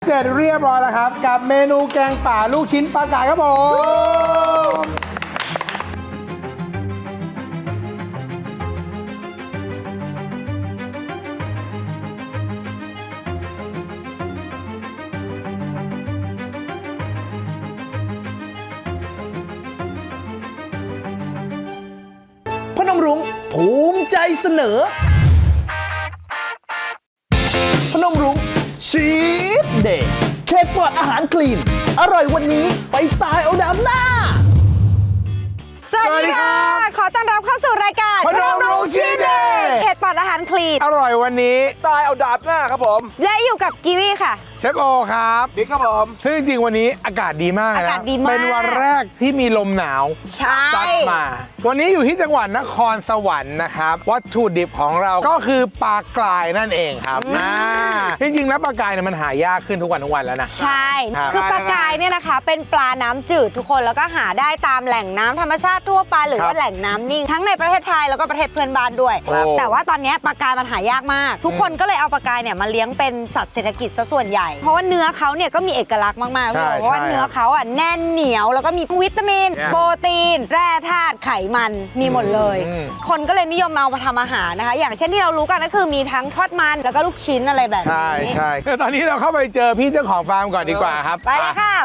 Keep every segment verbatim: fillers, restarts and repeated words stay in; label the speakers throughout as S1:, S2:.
S1: เสร็จเรียบร้อยแล้วครับกับเมนูแกงป่าลูกชิ้นปลากายครับผมพนมรุ้งภูมิใจเสนอพนมรุ้งชีสเดย์เค้กปลอดอาหารคลีนอร่อยวันนี้ไปตายเอาดำหน้า
S2: สวัสดีค่ะขอต้อนรับเข้าสู่รายการ
S1: พนมรุ้งชีสเดย์
S2: เค้กปลอดอาหารคลีน
S1: อร่อยวันนี้ตายเอาดำหน้าครับผม
S2: และอยู่กับกีวีค่ะ
S1: เชฟโอครับบิ๊กครับผมซึ่งจริงๆวันนี้อากาศดีมากนะ
S2: อากาศดีมาก
S1: เป็นวันแรกที่มีลมหนาวซัดมาวันนี้อยู่ที่จังหวัดนครสวรรค์นะครับวัตถุดิบของเราก็คือปลากรายนั่นเองครับอ่าจริงๆแล้วปลากรายเนี่ยมันหายากขึ้นทุกวันทุกวันแล้วนะ
S2: ใช่คือปลากรายเนี่ยนะคะเป็นปลาน้ำจืดทุกคนแล้วก็หาได้ตามแหล่งน้ำธรรมชาติทั่วไปหรือว่าแหล่งน้ำนิ่งทั้งในประเทศไทยแล้วก็ประเทศเพื่อนบ้านด้วยแต่ว่าตอนนี้ปลากรายมันหายากมากทุกคนก็เลยเอาปลากรายเนี่ยมาเลี้ยงเป็นสัตว์เศรษฐกิจซะส่วนใหญ่เพราะว่าเนื้อเขาเนี่ยก็มีเอกลักษณ์มากๆเพราะว่าเนื้อเขาอ่ะแน่นเหนียวแล้วก็มีวิตามินโปรตีนแร่ธาตุไขมันมีหมดเลยคนก็เลยนิยมเอามาทำอาหารนะคะอย่างเช่นที่เรารู้กันก็คือมีทั้งทอดมันแล้วก็ลูกชิ้นอะไรแบบนี้
S1: ใช่ใช่ตอนนี้เราเข้าไปเจอพี่เจ้าของฟาร์มก่อนดีกว่าครับ
S2: ไปเลยค่ะ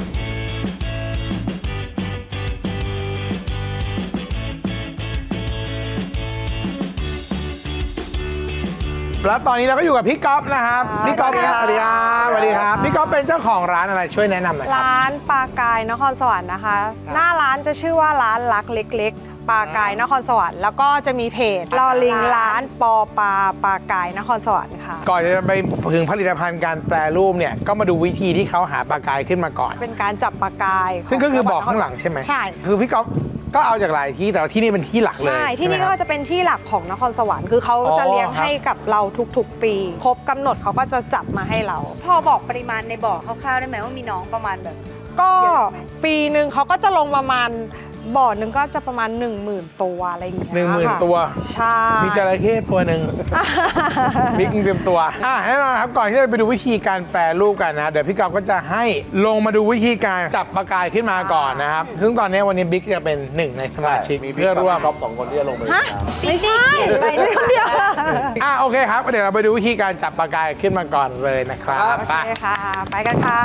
S1: แล้วตอนนี้เราก็อยู่กับพี่ก๊อฟนะครับพี่ก๊อฟสวัสดีครับสวัสดีครับพี่ก๊อฟเป็นเจ้าของร้านอะไรช่วยแนะนำหน่อยครับ
S3: ร้านปลากายนครสวรรค์นะคะหน้าร้านจะชื่อว่าร้านรักเล็กๆปลากายนครสวรรค์แล้วก็จะมีเพจลอลิงร้านปอปลาปลากายนครสวรรค์ค่ะ
S1: ก่อนจะไปถึงผลิตภัณฑ์การแปรรูปเนี่ยก็มาดูวิธีที่เขาหาปลากายขึ้นมาก่อน
S3: เป็นการจับปลากาย
S1: ซึ่งก็คือบอกข้างหลังใช่ไหม
S3: ใช่
S1: คือพี่ก๊อฟก็เอาจากหลายที่แต่ที่นี่เป็นที่หลักเลย
S3: ใช่ที่นี่ก็จะเป็นที่หลักของนครสวรรค์คือเขาจะเลี้ยงให้กับเราทุกๆปีครบกำหนดเขาก็จะจับมาให้เรา
S2: พอบอกปริมาณในบ่อคร่าวๆได้ไหมว่ามีน้องประมาณแบบ
S3: ก็ปีหนึ่งเขาก็จะลงประมาณบ่อหนึ่งก็จะประมาณ หนึ่งหมื่น ตัวอะไรอย่างเงี้ย
S1: หนึ่งหมื่นตัว
S3: ใช่
S1: มีจระเข้ตัวหนึ่งบิ๊กเตรียมตัวอ่ะแน่นอนครับก่อนที่จะไปดูวิธีการแปรรูปกันนะเดี๋ยวพี่ก๊อฟก็จะให้ลงมาดูวิธีการจับปลากายขึ้นมาก่อนนะครับซึ่งตอนนี้วันนี้บิ๊กจะเป็นหนึ่งในสมาชิกเพื่อร่วม
S4: ก๊อฟสองคนที่จะลงไป
S2: ไม่ใช่ไปคนเดียว
S1: อ่ะโอเคครับเดี๋ยวเราไปดูวิธีการจับปลากายขึ้นมาก่อนเลยนะครับ
S3: ไปค่ะไปกันค่ะ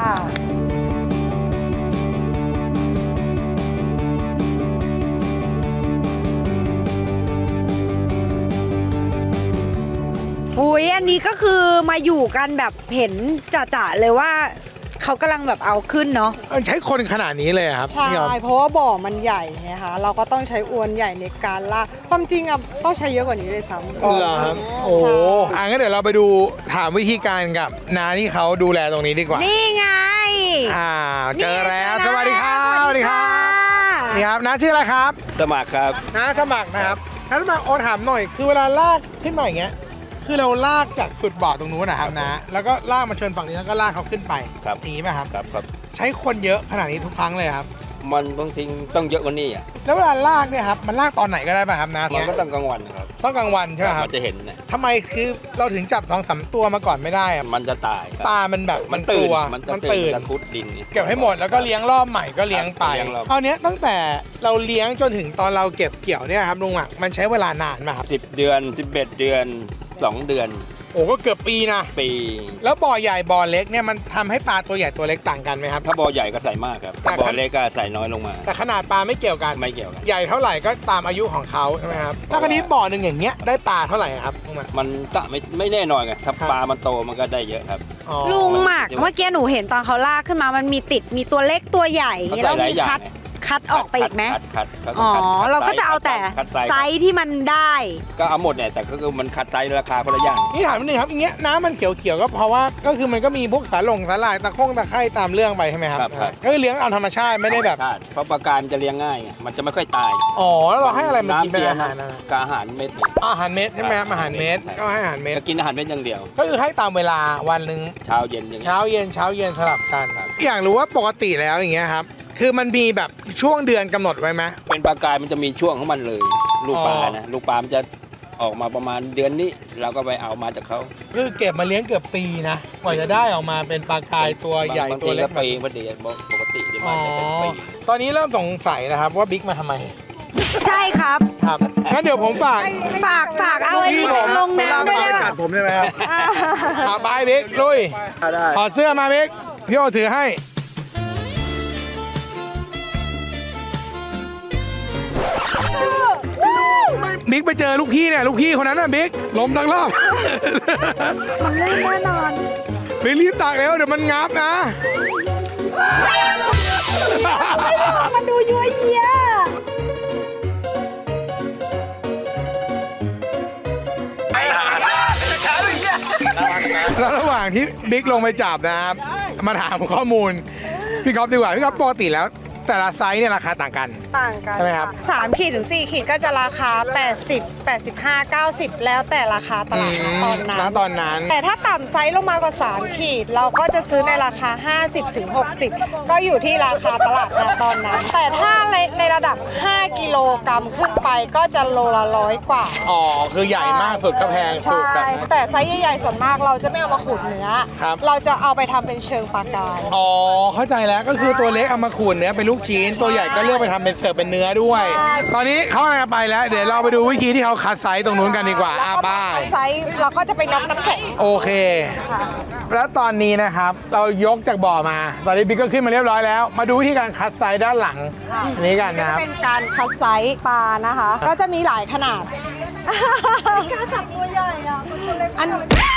S2: อุ้ยอันนี้ก็คือมาอยู่กันแบบเห็นจ่าๆเลยว่าเขากำลังแบบเอาขึ้นเนาะ
S1: ใช้คนขนาดนี้เลยครับ
S3: ใช่เพราะว่าบ่อมันใหญ่ไงคะเราก็ต้องใช้อวนใหญ่ในการลากความจริงอ่ะต้องใช้เยอะกว่านี้เลยซ้ำ
S1: เหรอครับโอ้อ่ะงั้นเดี๋ยวเราไปดูถามวิธีการกับน้าที่เขาดูแลตรงนี้ดีกว่า
S2: นี่ไง
S1: อ่าเจอแล้วสวัสดีครับสวัสดีครับนี่ครับน้าชื่ออะไรครับ
S4: สมัครครับ
S1: น้าสมัครนะครับน้าสมัครโอถามหน่อยคือเวลาลากขึ้นมาอย่างเงี้ยคือเราลากจากสุดบ่อตรงนู้นนะครับนะแล้วก็ลากมาชนฝั่งนี้แล้วก็ลากเขาขึ้นไป
S4: ครับ
S1: อย่างนี้ไหมครับ
S4: ครับครับ
S1: ใช้คนเยอะขนาดนี้ทุกครั้งเลยครับ
S4: มันบางทีต้องเยอะกว่านี้อ่ะ
S1: แล้วเวลาลากเนี่ยครับมันลากตอนไหนก็ได้ป่ะครับนะ
S4: มันก็ต้องกลางวันครับ
S1: ต้องกลางวันใช่ไหมครับ
S4: มันจะเห็นนะ
S1: ทำไมคือเราถึงจับสองสามตัวมาก่อนไม่ได้อะ
S4: มันจะตาย
S1: ปลามันแบบมันตื่น
S4: มันตื่นมันพุดดิน
S1: เก็บให้หมดแล้วก็เลี้ยงรอบใหม่ก็เลี้ยงไปคราวนี้ตั้งแต่เราเลี้ยงจนถึงตอนเราเก็บเกี่ยวเนี่ยครับลุงอ่ะมันใช้เวลานานไหมครับ
S4: สิบเดือนสิบเอ็ดเดือนสองเดือน
S1: โอ้ก็เกือบปีนะ
S4: ปี
S1: แล้วบ่อใหญ่บ่อเล็กเนี่ยมันทำให้ปลาตัวใหญ่ตัวเล็กต่างกันไหมครับ
S4: ถ้าบ่อใหญ่ก็ใส่มากครับถ้าบ่อเล็กก็ใส่น้อยลงมา
S1: แต่ขนาดปลาไม่เกี่ยวกัน
S4: ไม่เกี่ยวกัน
S1: ใหญ่เท่าไหร่ก็ตามอายุของเขาใช่ไหมครับแล้วคราวนี้บ่อหนึ่งอย่างเงี้ยได้ปลาเท่าไหร่ครับ
S4: มันก็ไม่ไม่แน่นอนไงถ้าปลามันโตมันก็ได้เยอะครับ
S2: ลุงหมากเมื่อกี้หนูเห็นตอนเขาลากขึ้นมามันมีติดมีตัวเล็กตัวใหญ่แล้วมีคัดคัดออกไปอีกไหมอ๋อเราก็จะเอาแต่ไซส์ที่มันได้
S4: ก็เอาหมดเนี่ยแต่ก็คือมันคัดไซส์ราคาคนละอย่าง
S1: นี่ถามนิดนึงครับอย่างเงี้ยน้ำมันเขียวๆก็เพราะว่าก็คือมันก็มีพวกสาหร่งสาหร่ายตะโค้งตะไคร่ตามเรื่องไปใช่ไหมครับก็คือเลี้ยงเอาธรรมชาติไม่ได้แบบ
S4: เพราะปลากายมันจะเลี้ยงง่ายมันจะไม่ค่อยตาย
S1: อ๋อแล้วเราให้อะไรมันกินเป็นอาหาร
S4: กับอาหารเม็ด
S1: อาหารเม็ดใช่ไหมอาหารเม็ดก็ให้อาหารเม็ด
S4: กินอาหารเม็ดอย่างเดียว
S1: ก็คือให้ตามเวลาวันหนึ่ง
S4: เช้าเย็นอย่าง
S1: เช้าเย็นเช้าเย็นสลับกันอยากรู้ว่าปกติแล้วอย่างเงี้ยครับคือมันมีแบบช่วงเดือนกำหนดไว้ไหม
S4: เป็นปลากายมันจะมีช่วงของมันเลยลูกปลานะลูกปลามันจะออกมาประมาณเดือนนี้เราก็ไปเอามาจากเขา
S1: คือเก็บมาเลี้ยงเกือบปีนะกว่าจะได้ออกมาเป็นปลากายตัวใหญ่
S4: บาง
S1: ตัว
S4: ที
S1: เล็
S4: ก็
S1: กแบบ
S4: ปีพอดีปกติที่
S1: อ๋
S4: มั
S1: อน
S4: จะเป็นปี
S1: ตอนนี้เริ่มสงสัยนะครับว่าบิ๊กมาทำไม
S2: ใช่ครับ
S1: ครับงั้นเดี๋ยวผมฝาก
S2: ฝากฝากเอาไอ้นี่ไปลงน้ำด้วยได้
S1: กั
S2: ป่ะ
S1: ดผมได้ไหมครับเอาไปบิ๊กลุยถอดเสื้อมาบิ๊กพี่โอถือให้บิ๊กไปเจอลูกพี่เนี่ยลูกพี่คนนั้นน่ะบิ๊กล้มทั้งรอบ
S2: มันลื่นแน่นอน
S1: บิ๊กรีบตักแล้วเดี๋ยวมันงับนะ
S2: มันดูยั่วเยี้ย
S1: แล้วระหว่างที่บิ๊กลงไปจับนะครับมาถามข้อมูลพี่ก๊อฟดีกว่าพี่ก๊อฟปกติแล้วแต่ละไซส์เนี่ยราคาต่างกัน
S3: ต่างกัน
S1: ใช่ไหมครับ
S3: สามขีดถึงสี่ขีดก็จะราคา แปดสิบ แปดสิบห้า เก้าสิบ แล้วแต่ราคาตลาดณตอนนั้
S1: ณ
S3: น
S1: ตอนนั้น
S3: แต่ถ้าต่ำไซส์ลงมากว่าสามขีด เราก็จะซื้อในราคา ห้าสิบถึงหกสิบ ก็อยู่ที่ราคาตลาดณตอนนั้น แต่ถ้าในในระดับ ห้า กิโลกรัมขึ้นไปก็จะโลละร้อยกว่า
S1: อ๋อคือใหญ่มากสุดก็แพงสุด
S3: ใช่
S1: แบบ
S3: แต่ไซส์ใหญ่ๆส่วนมากเราจะไม่เอามาขูดเนื้อ
S1: ครับ
S3: เราจะเอาไปทำเป็นเชิงปลากาย
S1: อ๋อเข้าใจแล้วก็คือตัวเล็กเอามาขูดเนื้อเป็นลูกชิ้นตัวใหญ่ก็เลือกไปทำเป็นเสิร์ฟเป็นเนื้อด้วย
S3: ใช่
S1: ตอนนี้เขากำลังจะไปแล้วเดี๋ยวเราไปดูวิธีที่เขาคัดไซส์ตรงนู้นกันดีกว่า
S3: แล้ว
S1: อ่ะ
S3: ก็
S1: บ้าย
S3: ไซส์เราก็จะไปน็อกน้ำแข็ง
S1: โอเค
S3: ค่ะ
S1: แล้วตอนนี้นะครับเรายกจากบ่อมา ตอนนี้บิ๊กก็ขึ้นมาเรียบร้อยแล้ว มาดูวิธีการคัดไซส์ด้านหลัง
S3: ค่ะ
S1: อันนี้กัน
S3: ก็
S1: นะค
S3: จะ
S1: รับ
S3: เป็นการคัดไซส์ปลานะคะ ก็จะมีหลายขนาด
S2: กล้าจับตัวใหญ่อ่ะตัวเล็ก
S3: อัน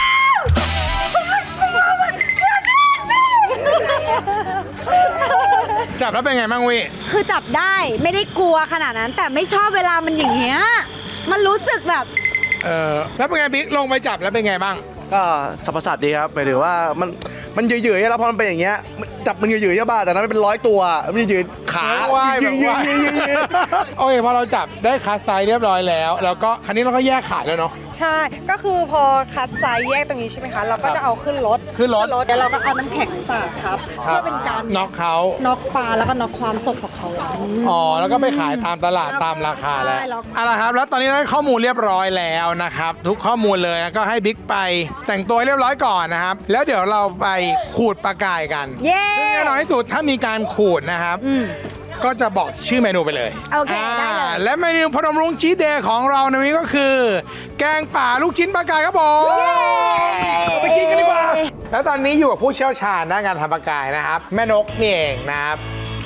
S1: จับแล้วเป็นไงบ้างวิ
S2: คือจับได้ไม่ได้กลัวขนาดนั้น แต่ไม่ชอบเวลามันอย่างเงี้ย มันรู้สึกแบบ
S1: เออแล้วเป็นไงบิ๊กลงไปจับแล้วเป็นไงบ้าง
S5: ก็สรรพสัตว์ดีครับหมายถึงว่ามันมันหยืดๆแล้วพอมันเป็นอย่างเงี้ยจับมันหยืดๆใช่ป่ะแต่นั้นมันเป็นร้อยตัวมันหยืดๆขา
S1: แบบว่าย
S5: ยื
S1: แบบ
S5: ดๆ
S1: ว่าย
S5: ยืดๆยืด
S1: โอเคพอเราจับได้คัดไซส์เรียบร้อยแล้ว แล้วก็คันนี้เราก็แยกขายแล้วเนาะ
S3: ใช่ ก็คือพอคัดไซส์แยกตรงนี้ใช่ไหมคะ เราก็จะเอาขึ้นรถ
S1: ขึ้นรถ
S3: เดี๋ยวเราก็เอาน้ำแข็งสาดครับเพื่อเป็นการ
S1: น็อกเขา
S3: น็อกปลาแล้วก็น็อกความสดของเขา
S1: อ๋อแล้วก็ไปขายตามตลาดตามราคาแล้ว
S3: ใช่แล้ว
S1: เอาละครับแล้วตอนนี้ได้ข้อมูลเรียบร้อยแล้วนะครับทุกข้อมูลเลยแล้วก็ให้บิ๊กไปแต่งตัวให้เรียบร้อยก่อนนะครับแล้วเดี๋ยวเราไปขูดปลากายกัน
S2: เย้
S1: ซึ่งแน่นอนที่สุดถ้ามีการขูดนะครับ ก็จะบอกชื่อเมนูไปเลย
S2: โอเคได้เลย
S1: อ่าและเมนูพนมรุ้งชีสเดย์ของเราในวันนี้ก็คือ แกงป่าลูกชิ้นปลากายครับผมไปกินกันดีกว่า แล้วตอนนี้อยู่กับผู้เชี่ยวชาญด้านการทำปลากายนะครับ แม่นกนี่เองนะครับ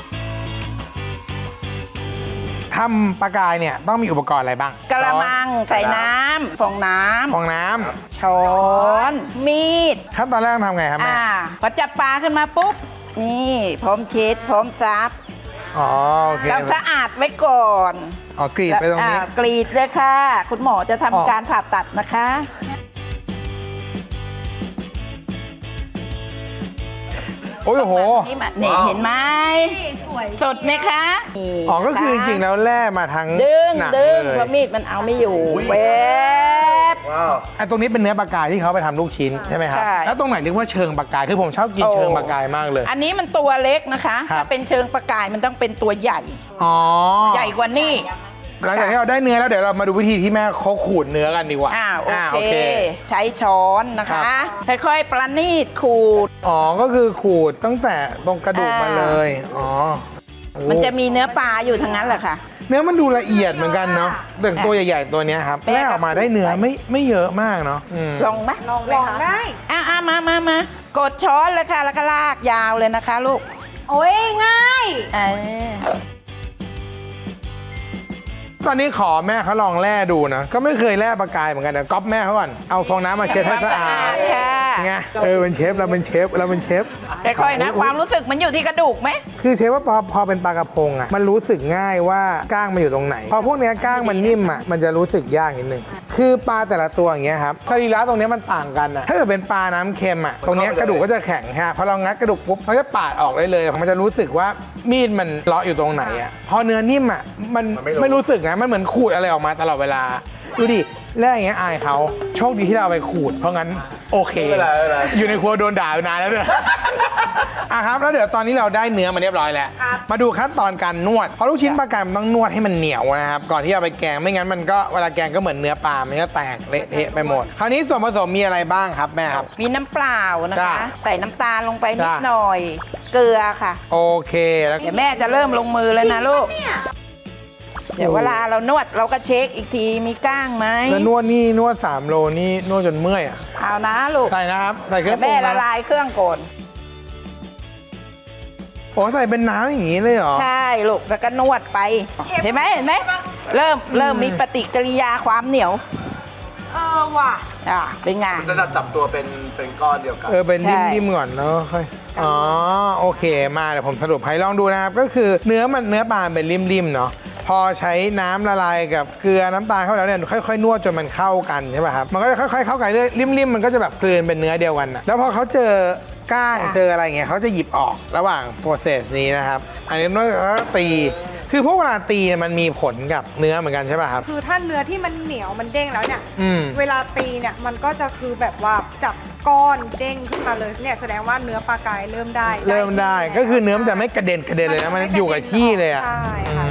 S1: ทำปลากายเนี่ยต้องมีอุปกรณ์อะไรบ้าง
S6: กระมังใส่น้ำฟองน้
S1: ฟองน้ำ
S6: ำช้อน มีด
S1: ขั้นตอนแรกทำไงครับแม่
S6: อ่าพอจับปลาขึ้นมาปุ๊บ นี่พร้อมเช็ดพร้อมซับ
S1: อ๋อโอเค
S6: เราสะอาดไว้ก่อน
S1: อ๋อกรีดไปตรงนี้
S6: อ่ากรีดเลยค่ะ คุณหมอจะ
S1: อ๋อ
S6: ทำการผ่าตัดนะคะ
S1: โอ้ยโอ้โห
S6: นี่มานี่เห็นไหมสดไหมคะนี่
S1: อ๋อก็คือจริงๆแล้วแร่มาทั้ง
S6: ดึง
S1: หนัง
S6: ดึง
S1: เลย
S6: เพราะมีดมันเอาไม่อยู่เวบ
S5: ว้าว
S1: ไอ้ตรงนี้เป็นเนื้อปลากายที่เขาไปทำลูกชิ้นใช่ไหมครับ
S6: ใช่
S1: แล้วตรงไหนเรียกว่าเชิงปลากายคือผมชอบกิน
S6: โอ้
S1: เชิงปลากายมากเลย
S6: อันนี้มันตัวเล็กนะคะ
S1: ครับ
S6: ถ้าเป็นเชิงประกายมันต้องเป็นตัวใหญ่
S1: อ๋อ
S6: ใหญ่กว่านี่
S1: หลังจากที่เราได้เนื้อแล้วเดี๋ยวเรามาดูวิธีที่แม่เขาขูดเนื้อกันดีกว่า
S6: อ่าโอ
S1: า
S6: เค ใช้ช้อนนะ
S1: ครั
S6: คะ
S1: บ
S6: ค่อยๆ ประณีตขูด
S1: อ๋อก็คือขูดตั้งแต่ตรงกระดูกมา
S6: อ่า
S1: เลยอ๋อโอ้
S6: มันจะมีเนื้อปลาอยู่ทั้งนั้นแหละค่ะ
S1: เนื้อมันดูละเอียดเหมือนกันเนาะแต่ตัวใหญ่ๆตัวเนี้ยครับ
S6: แม่
S1: แม่ออกมาได้เนื้อไม่ไม่เยอะมากเนาะอืม
S6: ลองไหม
S3: ลองเลยค่ะ
S6: อ่ะอ่ะมามามากดช้อนเลยค่ะ แล้วก็ลากยาวเลยนะคะลูก
S2: โอ้ยง่าย
S6: เออ
S1: ตอนนี้ขอแม่เขาลองแล่ดูนะก็ไม่เคยแล่ปลากายเหมือนกันเดี๋ยวก๊อปแม่เขาก่อนเอาฟองน้ำมาเช็ดให้สะอาด
S6: ค่ะ
S1: ไงเออเป็นเชฟเราเป็นเชฟเราเป็นเชฟ
S6: ค่อยๆนะ ความรู้สึกมันอยู่ที่กระดูกไหม
S1: คือเชฟว่าพอพอเป็นปลากระพงอ่ะมันรู้สึกง่ายว่าก้างมันอยู่ตรงไหน พอพวกเนี้ยก้างมันนิ่มอ่ะมันจะรู้สึกยากนิดนึงคือปลาแต่ละตัวอย่างเงี้ยครับสรีระตรงเนี้ยมันต่างกันอ่ะถ้าเกิดเป็นปลาน้ำเค็มอ่ะตรงเนี้ยกระดูกก็จะแข็งฮะพอเรางัดกระดูกปุ๊บมันจะปาดออกได้เลยมันจะรู้สึกว่ามีดมันเลาะอยู่ตรงไหนอ่ะพอเนื้อนิ่มอ่ะมันไม่รู้สึกนะมันเหมือนขูดอะไรออกมาตลอดเวลาดูดิแล้วอย่างเงี้ยอายเขาโชคดีที่เราเอาไปขูดเพราะงั้นโอเค
S5: ไม่เป็นไรไม่เป็นไร
S1: อยู่ในครัวโดนด่าอยู่นานแล้วเนี่ย อ่ะครับแล้วเดี๋ยวตอนนี้เราได้เนื้อมาเรียบร้อยแล้วมาดูขั้นตอนการนวดเพราะลูกชิ้นปลากายมันต้องนวดให้มันเหนียวนะครับก่อนที่จะเอาไปแกงไม่งั้นมันก็เวลาแกงก็เหมือนเนื้อปลามันก็แตกเละเทะไปหมดคราวนี้ส่วนผสมมีอะไรบ้างครับแม่ครับ
S6: มีน้ำเปล่านะ
S1: จ้ะ
S6: คะ ใส่น้ำตาลลงไปนิด
S1: จ้ะ
S6: หน่อย เกลือค่ะ
S1: โอเคแล้ว
S6: เดี๋ยวแม่จะเริ่มลงมือแล้วนะลูก เดี๋ยวเวลาเรานวดเราก็เช็คอีกทีมีก้างไหม
S1: แล้วนวดนี่นวดสามโลนี่นวดจนเมื่อยอ่ะ
S6: เอานะลูก
S1: ใส่นะครับใส่เครื่
S6: เดี๋
S1: อย ง
S6: ว
S1: ปรุง
S6: แม่ละ
S1: นะ
S6: ลายเครื่องก่อน
S1: โอ้ใส่เป็นน้ำอย่างนี้เลยเหรอ
S6: ใช่ลูกแล้วก็นวดไป เห็นไหมเห็นไหมเริ่มเริ่มมีปฏิกิริยาความเหนียว
S2: เออว่ะ
S6: อ่าเป็นไง
S5: มันจะจับตัวเป็นเป็นก้อนเดียวกัน
S1: เออเป็น
S6: ใช่
S1: นิ่มๆก่อนเนาะค่อยอ๋อโอเคมาเดี๋ยวผมสรุปให้ลองดูนะครับก็คือเนื้อมันเนื้อปลาเป็นริมๆเนาะพอใช้น้ำละลายกับเกลือน้ำตาลเข้าไปแล้วเนี่ยค่อยๆนวดจนมันเข้ากันใช่ป่ะครับมันก็จะค่อยๆเข้ากันเรื่อยริมๆมันก็จะแบบกลืนเป็นเนื้อเดียวกันนะแล้วพอเขาเจอก้างเจออะไรอย่างเงี้ยเขาจะหยิบออกระหว่างโปรเซสนี้นะครับอันนี้นวดแล้วก็ตีคือพวกเวลาตีเนี่ยมันมีผลกับเนื้อเหมือนกันใช่ป่ะครับ
S3: คือถ้าเนื้อที่มันเหนียวมันเด้งแล้วเนี่ย
S1: อืม
S3: เวลาตีเนี่ยมันก็จะคือแบบว่าจับก้อนเด้งขึ้นมาเลยเนี่ยแสดงว่าเนื้อปลากายเริ่มได้
S1: เริ่มได้ก็คือเนื้อมันจะไม่กระเด็นกระเด็นเลยนะมันอยู่กับที่เลยอ่ะ
S3: ใช่ค่ะ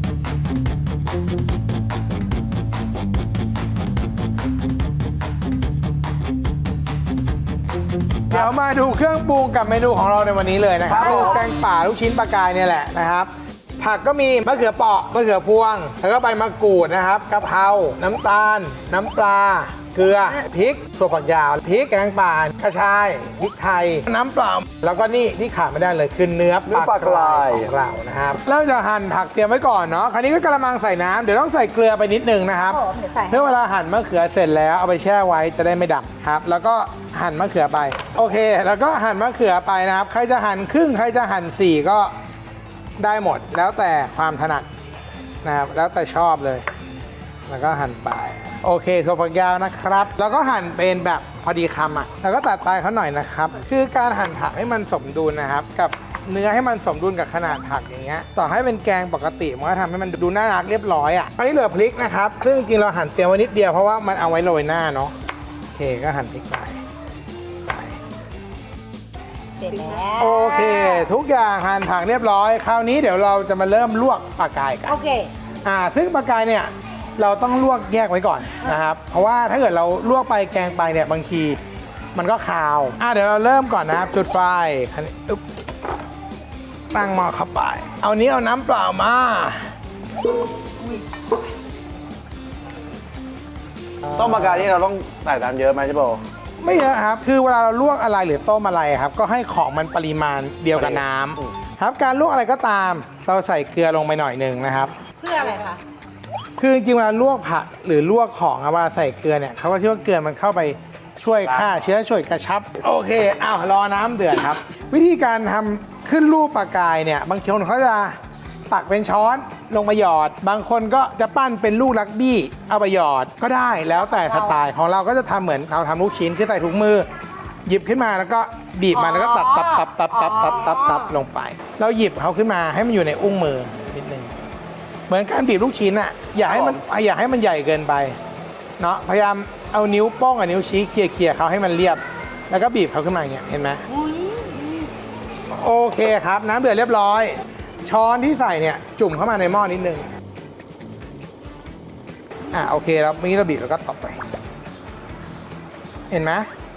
S1: เดี๋ยวมาดูเครื่องปรุงกับเมนูของเราในวันนี้เลยนะครับก็คือแกงป่าลูกชิ้นปลากายเนี่ยแหละนะครับ ผักก็มีมะเขือเปราะมะเขือพวงแล้วก็ใบมะกรูดนะครับกะเพราน้ำตาล น้ำปลา เกลือพริกถั่วฝักยาวพริกแกงป่ากระชายพริกไทยน้ำเปล่าแล้วก็นี่ที่ขาดไม่ได้เลยคือเนื้อปลากรายของเรานะครับเริ่มจะหั่นผักเตรียมไว้ก่อนเนาะคราวนี้ก็กระมังใส่น้ำเดี๋ยวต้องใส่เกลือไปนิดนึงนะครับ
S2: โอ้เดี๋ยวใส่
S1: เพื่อเวลาหั่นมะเขือเสร็จแล้วเอาไปแช่ไว้จะได้ไม่ดำครับแล้วก็หั่นมะเขือไปโอเค แล้วก็หั่นมะเขือไปนะครับใครจะหั่นครึ่งใครจะหั่นสี่ก็ได้หมดแล้วแต่ความถนัดนะครับแล้วแต่ชอบเลยแล้วก็หั่นไปโอเคถั่วฝักยาวนะครับ แล้วก็หั่นเป็นแบบพอดีคำอ่ะแล้วก็ตัดปลายเขาหน่อยนะครับคือการหั่นผักให้มันสมดุลนะครับกับเนื้อให้มันสมดุลกับขนาดผักอย่างเงี้ยต่อให้เป็นแกงปกติมันก็ทำให้มันดูน่ารักเรียบร้อยอ่ะอันนี้เหลือพริกนะครับซึ่งจริงเราหั่นเตรียมไว้นิดเดียวเพราะว่ามันเอาไว้โรยหน้าเนาะโอเคก็หั่นพริกไปไป
S2: เสร็จแล้ว
S1: โอเค ทุกอย่างหั่นผักเรียบร้อยคราวนี้เดี๋ยวเราจะมาเริ่มลวกปลากายกัน
S2: โอเค
S1: อ่าซึ่งปลากายเนี่ยเราต้องลวกแยกไว้ก่อนนะครับ เพราะว่าถ้าเกิดเราลวกไปแกงไปเนี่ยบางทีมันก็คาวอ่าเดี๋ยวเราเริ่มก่อนนะครับจุดไฟคันนี้อึ๊บตั้งหม้อเข้าไป เอานี้เอาน้ำเปล่ามา
S5: ต้มปลากายนี่เราต้องใส่น้ำเยอะไหมใช่ป่ะ
S1: ไม่เยอะครับ คือเวลาเราลวกอะไรหรือต้มอะไรครับ ก็ให้ของมันปริมาณเดียวกับน้ำครับการลวกอะไรก็ตาม เราใส่เกลือลงไปหน่อยหนึ่งนะครับ
S2: เพื่ออะไรคะ
S1: คือจริงๆเวลาลวกผักหรือลวกของอะเวลาใส่เกลือเนี่ยเขาก็เชื่อว่าเกลือมันเข้าไปช่วยฆ่าเชื้อช่วยกระชับ โอเคอ้าวรอน้ำเดือดครับ วิธีการทำขึ้นรูปปลากายเนี่ยบางคนเขาจะตักเป็นช้อนลงมาหยอด บางคนก็จะปั้นเป็นลูกลักบี้เอาไปหยอดก็ได้แล้วแต่สไตล์ของเราก็จะทำเหมือนเราทำลูกชิ้นคือใส่ถุงมือ หยิบขึ้นมาแล้วก็บีบมันแล้วก็ตับตับตับตับตับตับตับตับลงไปเราหยิบเขาขึ้นมาให้มันอยู่ในอุ้งมือนิดนึง เหมือนการบีบลูกชิ้นอะอย่าให้มันอย่าให้มันใหญ่เกินไปเนาะพยายามเอานิ้วโป้งกับนิ้วชี้เคลียร์ๆเขาให้มันเรียบ แล้วก็บีบเขาขึ้นมาอย่างเงี้ยเห็นไหมโอเคครับ น้ำเดือดเรียบร้อย ช้อนที่ใส่เนี่ยจุ่มเข้ามาในหม้อนิดนึงอ่ะโอเคแล้วเมื่อกี้เราบีบแล้วก็ตบไป เห็นไหม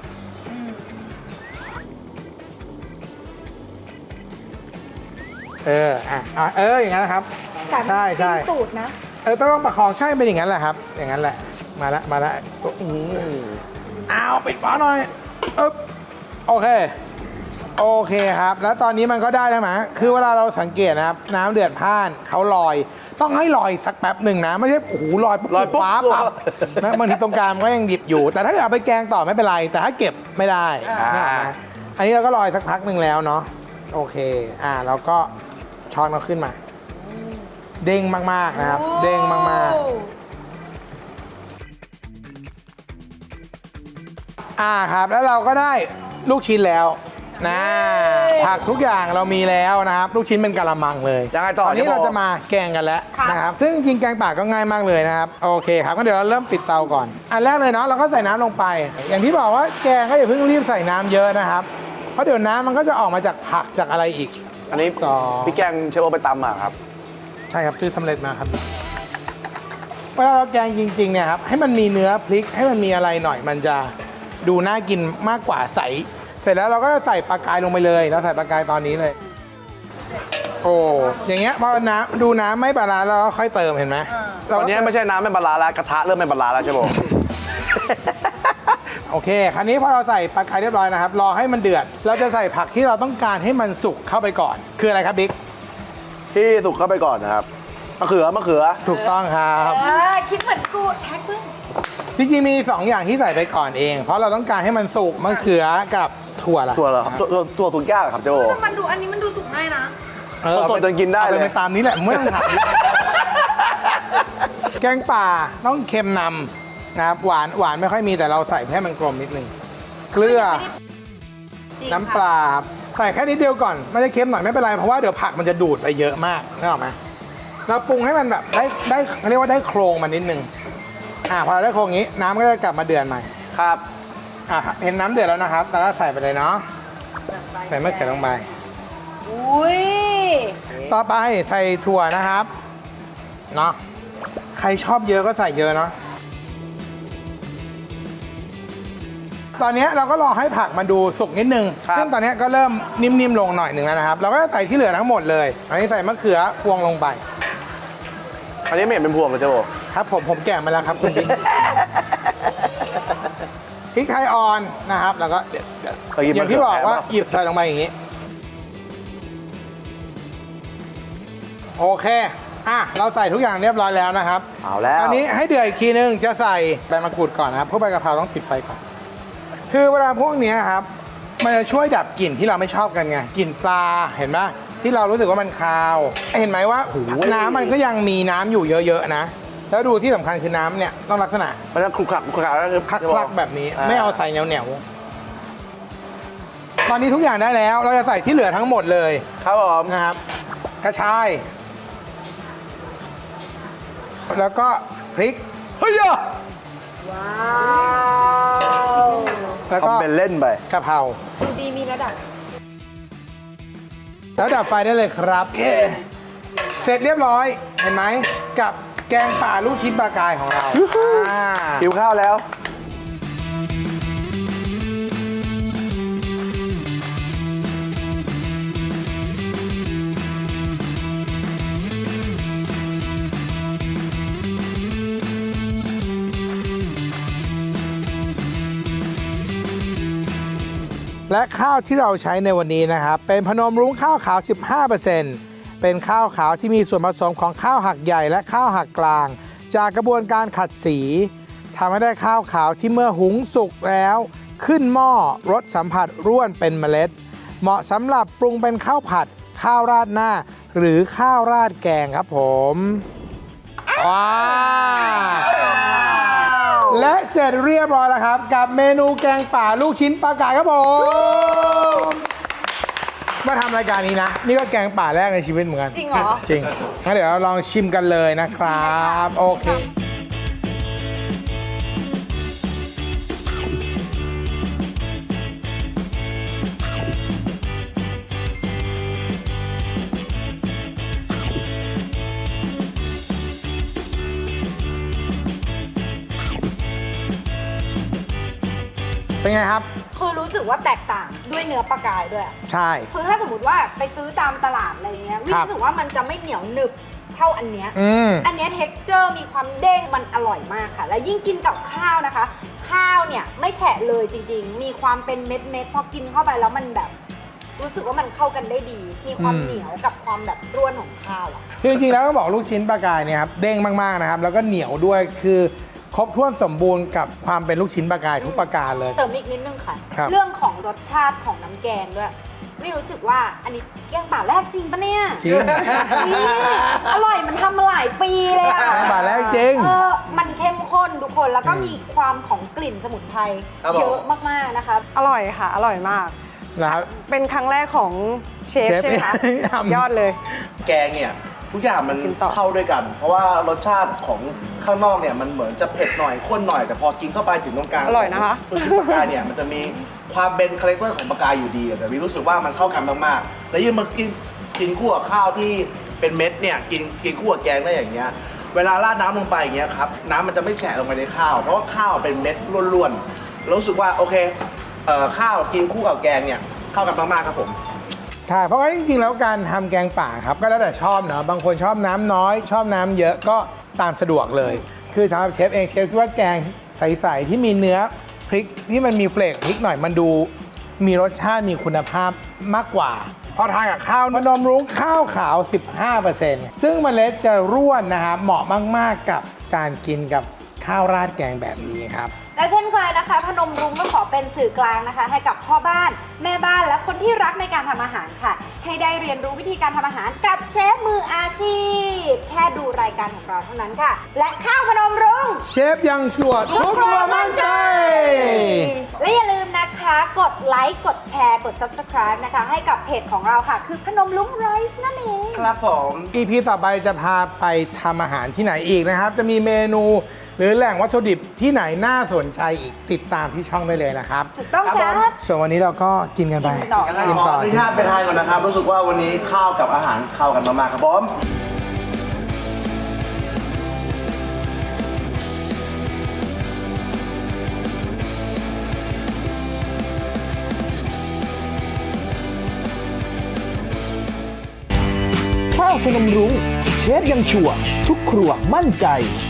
S1: เอออ่ะอ่ะเอออย่างนั้นนะครับ ใช่ใช่
S3: สูตรนะ
S1: เออต้องประคองใช่เป็นอย่างนั้นแหละครับ อย่างนั้นแหละมาละมาละอืมอ้าวปิดฝาหน่อยอึ๊บโอเคโอเคครับ แล้วตอนนี้มันก็ได้แล้วมั้ยคือเวลาเราสังเกตนะครับ น้ำเดือดพ่านเขาลอย ต้องให้ลอยสักแป๊บหนึ่งนะไม่ใช่โอ้โหลอยปุ๊บ
S5: ลอยปุ๊บ
S1: ฟ้าปั๊บนะบางทีตรงกลางมันก็ยังดิบอยู่ แต่ถ้าเกิดเอาไปแกงต่อไม่เป็นไร แต่ถ้าเก็บไม่ได้นึกออกไหมอันนี้เราก็ลอยสักพักหนึ่งแล้วเนาะโอเคอ่าเราก็ช้อนเราขึ้นมา เด้งมากๆนะครับ เด้งมากๆอ่าครับแล้วเราก็ได้ลูกชิ้นแล้วนะผักทุกอย่างเรามีแล้วนะครับลูกชิ้นเป็นกะละมังเลย
S5: ยังไงต่อ
S1: ตอนนี้
S5: เจ๊โบ
S1: เราจะมาแกงกันแล้วนะครับซึ่งจริงๆแกงป่าก็ง่ายมากเลยนะครับโอเคครับก็เดี๋ยวเราเริ่มติดเตาก่อนอันแรกเลยเนาะเราก็ใส่น้ำลงไป อย่างที่บอกว่าแกงก็อย่าเพิ่งรีบใส่น้ำเยอะนะครับเพราะเดี๋ยวน้ำมันก็จะออกมาจากผักจากอะไรอีก
S5: อันนี้
S1: ต่อ
S5: พี่แกงเชฟโอไปตำมาครับ
S1: ใช่ครับซื้อสำเร็จมาครับเวลาเราแกงจริงๆเนี่ยครับให้มันมีเนื้อพริกให้มันมีอะไรหน่อย มันจะดูน่ากินมากกว่าใสเสร็จแล้วเราก็ใส่ปลากายลงไปเลยเราใส่ปลากายตอนนี้เลย โอ้อย่างเงี้ยพอน้ำดูน้ำไม่บาลานซ์แล้วเราค่อยเติมเห็นไหม
S5: ตอนนี้ไม่ใช่น้ำไม่บาลานซ์แล้วกระทะเริ่มไม่บาลานซ์แล้วเชฟโอ
S1: โอเคคราวนี้พอเราใส่ปลากายเรียบร้อยนะครับรอให้มันเดือดเราจะใส่ผักที่เราต้องการให้มันสุกเข้าไปก่อน คืออะไรครับบิ๊ก
S5: ที่สุกเข้าไปก่อนนะครับมะเขือมะเขือ
S1: ถูกต้องครับ
S2: เออคิดเหมือนกูแท็กพึ่ง
S1: จริงๆมีสองอย่างที่ใส่ไปก่อนเอง เพราะเราต้องการให้มันสุกมะเขือกับถั่วละ
S5: ตัวเหรอครับตัวตัวตัวสุกยากเหรอครับเชฟโอ
S2: มันดูอันนี้มันดูสุกง่ายนะ
S1: เออ
S5: สดๆจนกินได้เลย
S1: อาไปตามนี้แหละไม่ต้องถาม แกงป่าต้องเค็มนำนะครับหวานหวานไม่ค่อยมีแต่เราใส่ให้มันกลมนิดนึงเกลือน้ำปลาครับใส่แค่นิดเดียวก่อนไม่ได้เค็มหน่อยไม่เป็นไรเพราะว่าเดี๋ยวผักมันจะดูดไปเยอะมากนึกออกไหมเราปรุงให้มันแบบได้ได้เขาเรียกว่าได้โครงมันนิดนึงอ่าพอเราได้โครงนี้น้ำก็จะกลับมาเดือดใหม่
S5: ครับ
S1: อ่ะเห็นน้ำเดือดแล้วนะครับแล้วก็ใส่ไปเลยเนาะใส่มะเขือลงไป
S2: อุ้ย
S1: ต่อไปใส่ถั่วนะครับเนาะใครชอบเยอะก็ใส่เยอะเนาะตอนนี้เราก็รอให้ผักมันดูสุกนิดนึง
S5: ครับ
S1: ซึ่งตอนนี้ก็เริ่มนิ่มๆลงหน่อยหนึ่งแล้วนะครับ เราก็จะใส่ที่เหลือทั้งหมดเลยอันนี้ใส่มะเขือพวงลงไป
S5: อันนี้ไม่เห็นเป็นพวงเลยเชฟโอ
S1: ครับผมผมแกะมาแล้วครับคุณบิ๊ก พริกไทยอ่อนนะครับ แล้วก็เดี๋ยวเดี๋ยว
S5: เคยกิน
S1: อย่างที่บอกว่า
S5: ะเขืแทนปะ
S1: หยิบใส่ลงไปอย่างนี้ โอเคอ่ะเราใส่ทุกอย่างเรียบร้อยแล้วนะครับ
S5: เอาแล้ว
S1: อันนี้ให้เดือดอีกทีนึงจะใส่ใบมะกรูดก่อนนะครับเพราะใบกะเพราต้องปิดไฟก่อน คือเวลาพวกเนี้ยครับ มันจะช่วยดับกลิ่นที่เราไม่ชอบกันไงกลิ่นปลาเห็นไหมที่เรารู้สึกว่ามันคาว เห็นไหมว่าน้ำมันก็ยังมีน้ำอยู่เยอะๆนะแล้วดูที่สำคัญคือน้ำเนี่ยต้องลักษณะ
S5: มันจะคลุกคลักคลุกคลักแล้วคือ
S1: คลักๆแบบนี้ไม่เอาใส่เหนียวๆตอนนี้ทุกอย่างได้แล้ว เราจะใส่ที่เหลือทั้งหมดเลย
S5: ครับผม
S1: นะครับ กระชาย แล้วก็พริก
S5: เฮ้ยอะ
S2: ว้าว
S1: แล้วก็
S5: ทำเป็นเล่นไป
S1: กะเพรา
S2: ดูดีมีระดับ
S1: แล้วดับไฟได้เลยครับเสร็จเรียบร้อยเห็นไหมกับแกงป่าลูกชิ้นปลากายของเราอ่า
S5: หิวข้าวแล้ว
S1: และข้าวที่เราใช้ในวันนี้นะครับ เป็นพนมรุ้งข้าวขาว สิบห้าเปอร์เซ็นต์ เป็นข้าวขาวที่มีส่วนผสมของข้าวหักใหญ่และข้าวหักกลาง จากกระบวนการขัดสีทำให้ได้ข้าวขาวที่เมื่อหุงสุกแล้ว ขึ้นหม้อรสสัมผัสร่วนเป็นเมล็ด เหมาะสำหรับปรุงเป็นข้าวผัด ข้าวราดหน้า หรือข้าวราดแกงครับผมว้าวและเสร็จเรียบร้อยแล้วครับ กับเมนูแกงป่าลูกชิ้นปลากายครับผมมาทำรายการนี้นะ นี่ก็แกงป่าแรกในชีวิตเหมือนกัน
S2: จริงเหรอ
S1: จริงงั้นเดี๋ยวเราลองชิมกันเลยนะครับ โอเค เป็นไงครับ
S2: คือรู้สึกว่าแตกต่างด้วยเนื้อปลากายด้วยอะ
S1: ใช่
S2: คือถ้าสมมติว่าไปซื้อตามตลาดอะไรเงี้ยวิ่
S1: ครับ
S2: รู้สึกว่ามันจะไม่เหนียวหนึบเท่าอันเนี้ย
S1: อืม
S2: อันเนี้ย texture มีความเด้งมันอร่อยมากค่ะ แล้วยิ่งกินกับข้าวนะคะ ข้าวเนี่ยไม่แฉะเลยจริงๆ มีความเป็นเม็ดเม็ดๆพอกินเข้าไปแล้วมันแบบ รู้สึกว่ามันเข้ากันได้ดี มีความ
S1: อืม
S2: เหนียวกับความแบบร่วนของข้าวอะ
S1: คือจริงๆแล้วก็บอกลูกชิ้นปลากายเนี่ยครับเด้งมากๆนะครับ แล้วก็เหนียวด้วยคือครบถ้วนสมบูรณ์กับความเป็นลูกชิ้นปลากายทุกประการเลย
S2: เติมอีกนิดนึงค่ะ
S1: ครับ
S2: เรื่องของรสชาติของน้ำแกงด้วย ไม่รู้สึกว่าอันนี้แกงป่าแรกจริงปะเนี่ย
S1: จริง
S2: นี่อร่อยมันทำมาหลายปีเลยอะ
S1: แกงป่าแรกจริง
S2: เออมันเข้มข้นทุกคนแล้วก็มีความของกลิ่นสมุนไพร
S5: ครับผม
S2: เยอะมากๆนะคะ
S3: อร่อยค่ะ อร่อยมาก
S1: นะครับ
S3: เป็นครั้งแรกของเชฟ
S1: เชฟ
S3: ใช่ไหมคะ
S1: ทำ
S3: ยอดเลย
S5: แกงเนี่ยทุกอย่างมัน
S3: กินต่อ
S5: เข้าด้วยกัน เพราะว่ารสชาติของข้างนอกเนี่ยมันเหมือนจะเผ็ดหน่อยข้นหน่อยแต่พอกินเข้าไปถึงตรงกลาง
S3: อร่อยนะคะ
S5: ตัวชิ้นปลากายเนี่ยมันจะมีความเป็นคาแรคเตอร์ของปลากายอยู่ดีแต่วิรู้สึกว่ามันเข้ากันมากๆแล้วยิ่งมากินกินคู่กับข้าวที่เป็นเม็ดเนี่ยกินกินคู่กับแกงได้อย่างเงี้ยเวลาราดน้ำลงไปอย่างเงี้ยครับน้ำมันจะไม่แฉะลงไปในข้าว เพราะว่าข้าวเป็นเม็ดล้วนๆแล้วรู้สึกว่าโอเคเอ่อข้าวกินคู่กับแกงเนี่ยเข้ากันมากๆครับผม
S1: ใช่เพราะว่าจริงๆแล้วการทำแกงป่าครับก็แล้วแต่ชอบเนาะบางคนชอบน้ำน้อย ชอบน้ำเยอะก็ตามสะดวกเลย คือสำหรับเชฟเองเชฟคิดว่าแกงใสๆที่มีเนื้อพริกที่มันมีเฟลกพริกหน่อยมันดูมีรสชาติมีคุณภาพมากกว่าพอทานกับข้าวพนมรุ้งข้าวขาว สิบห้าเปอร์เซ็นต์ ซึ่งเมล็ดจะร่วนนะครับเหมาะมากๆกับการกินกับข้าวราดแกงแบบนี้ครับ
S2: และเช่นเคยนะคะ พนมรุ้งก็ขอเป็นสื่อกลางนะคะ ให้กับพ่อบ้านแม่บ้านและคนที่รักในการทำอาหารค่ะ ให้ได้เรียนรู้วิธีการทำอาหารกับเชฟมืออาชีพ แค่ดูรายการของเราเท่านั้นค่ะ และข้าวพนมรุ้ง
S1: เชฟยังชัวร์ทุกครัวมั่นใจ
S2: และอย่าลืมนะคะ กดไลค์ กดแชร์ กด Subscribe นะคะ ให้กับเพจของเราค่ะ คือพนมรุ้งไรซ์นั่นเอง
S5: ครับผม
S1: อี พี ต่อไปจะพาไปทำอาหารที่ไหนอีกนะครับ จะมีเมนูหรือแหล่งวัตถุดิบที่ไหนน่าสนใจอีกติดตามที่ช่องได้เลยนะครับ
S2: ถูกต้อง
S5: ครับ
S2: จ้า
S5: ผม
S1: ส่วนวันนี้เราก็กินกันไป
S2: กินต่อ
S1: กิน
S5: ขอ
S1: ต่อ
S5: อนุญาตไปทานก่อนนะครับ รู้สึกว่าวันนี้ข้าวกับอาหารเข้ากันมากๆครับผม
S7: ข้าวพนมรุ้งเชฟยังชัวร์ทุกครัวมั่นใจ